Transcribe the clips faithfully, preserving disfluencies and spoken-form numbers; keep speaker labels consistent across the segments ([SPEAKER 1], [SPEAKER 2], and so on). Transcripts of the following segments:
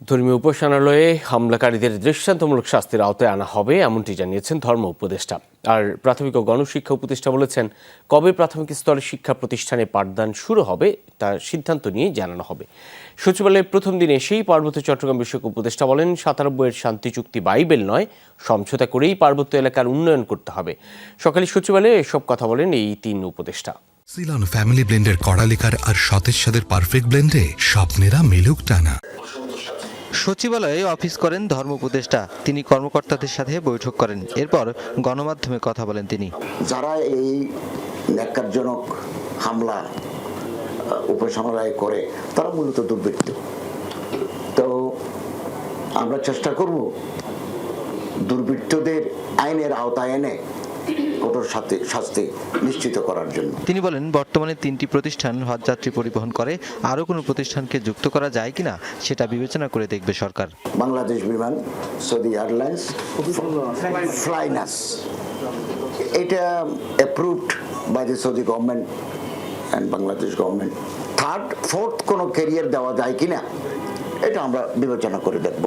[SPEAKER 1] ধর্মীয় উপাসনালয়ে হামলাকারীদের দৃষ্টান্তমূলক শাস্তির আওতায় আনা হবে এমনটি জানিয়েছেন ধর্ম উপদেষ্টা। আর প্রাথমিক ও গণশিক্ষা উপদেষ্টা বলেছেন, কবে প্রাথমিক স্তরে শিক্ষা প্রতিষ্ঠানে পাঠদান শুরু হবে তার সিদ্ধান্ত নিয়ে জানানো হবে। সচিবালয়ের প্রথম দিন এসেই পার্বত্য চট্টগ্রাম বিষয়ক উপদেষ্টা বলেন, সাতানব্বইয়ের শান্তি চুক্তি বাইবেল নয়, সমঝোতা করেই পার্বত্য এলাকার উন্নয়ন করতে হবে। সকালে সচিবালয়ে এসব কথা বলেন এই তিন উপদেষ্টা।
[SPEAKER 2] সিলন ফ্যামিলি ব্লেন্ডের কড়ালিকার আর সতেজ সাদের পারফেক্ট ব্লেন্ডে স্বপ্নেরা মেলুক টানা।
[SPEAKER 3] সচিবালয়ে অফিস করেন ধর্ম উপদেষ্টা। তিনি কর্মকর্তাদের সাথে বৈঠক করেন, এরপর গণমাধ্যমে কথা বলেন তিনি।
[SPEAKER 4] যারা এই ন্যাক্কারজনক হামলা উপাসনালয়ে করে তারা মূলত দুর্বৃত্ত। তো আমরা চেষ্টা করব দুর্বৃত্তদের আইনের আওতায় এনে কঠোর শাস্তি নিশ্চিত করার জন্য।
[SPEAKER 3] তিনি বলেন, বর্তমানে তিনটি প্রতিষ্ঠান হজযাত্রী পরিবহন করে, আরও কোনো প্রতিষ্ঠানকে যুক্ত করা যায় কিনা সেটা বিবেচনা করে দেখবে সরকার।
[SPEAKER 4] Bangladesh Biman, Saudi airlines, Flynas, এটা approved by the Saudi government and Bangladesh government. Third fourth কোনো ক্যারিয়ার দেওয়া যায় কিনা এটা আমরা বিবেচনা করে দেখব।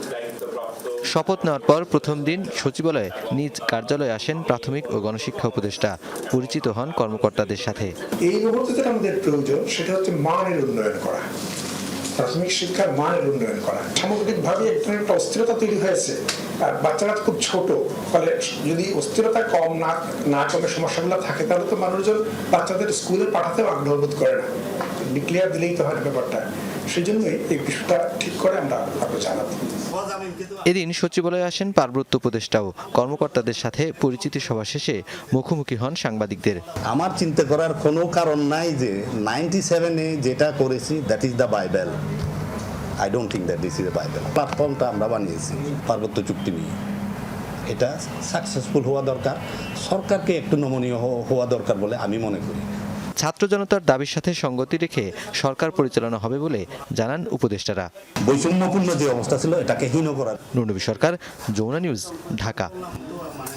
[SPEAKER 3] শপথ নেওয়ার পর প্রথম দিন সচিবালয়ে নিজ কার্যালয়ে আসেন প্রাথমিক ও গণশিক্ষা উপদেষ্টা। পরিচিত হন কর্মকর্তাদের সাথে।
[SPEAKER 5] এই মুহূর্তে যেটা আমাদের প্রয়োজন সেটা হচ্ছে মানের উন্নয়ন করা, প্রাথমিক শিক্ষার মানের উন্নয়ন করা। সামগ্রিকভাবে একটা অস্থিরতা তৈরি হয়েছে, আর বাচ্চারা খুব ছোট, ফলে যদি অস্থিরতা কম না না কমে সমস্যাগুলো থাকে তাহলে তো মানুষজন বাচ্চাদের স্কুলে পাঠাতেও আগ্রহ বোধ করে না। ডিক্লেয়ার দিলেই তো হয় ব্যাপারটা। সেই জন্যই এই বিষয়টা ঠিক করে আমরা আরো জানাবো।
[SPEAKER 3] এদিন সচিবালয়ে আসেন পার্বত্য উপদেষ্টাও। কর্মকর্তাদের সাথে পরিচিতি সভা শেষে মুখোমুখি হন সাংবাদিকদের।
[SPEAKER 6] আমার চিন্তা করার কোনো কারণ নাই যে নাইনটি সেভেনে যেটা করেছি that is the Bible. I don't think that this is the Bible. প্ল্যাটফর্মটা আমরা বানিয়েছি পার্বত্য চুক্তি নিয়ে, এটা সাকসেসফুল হওয়া দরকার, সরকারকে একটু নমনীয় হওয়া দরকার বলে আমি মনে করি।
[SPEAKER 3] ছাত্র জনতার দাবির সাথে সঙ্গতি রেখে সরকার পরিচালনা হবে বলে জানান উপদেষ্টারা।
[SPEAKER 6] বৈষম্যপূর্ণ যে অবস্থা ছিল এটাকে হীন করার।
[SPEAKER 3] নুরনবী সরকার, যমুনা নিউজ, ঢাকা।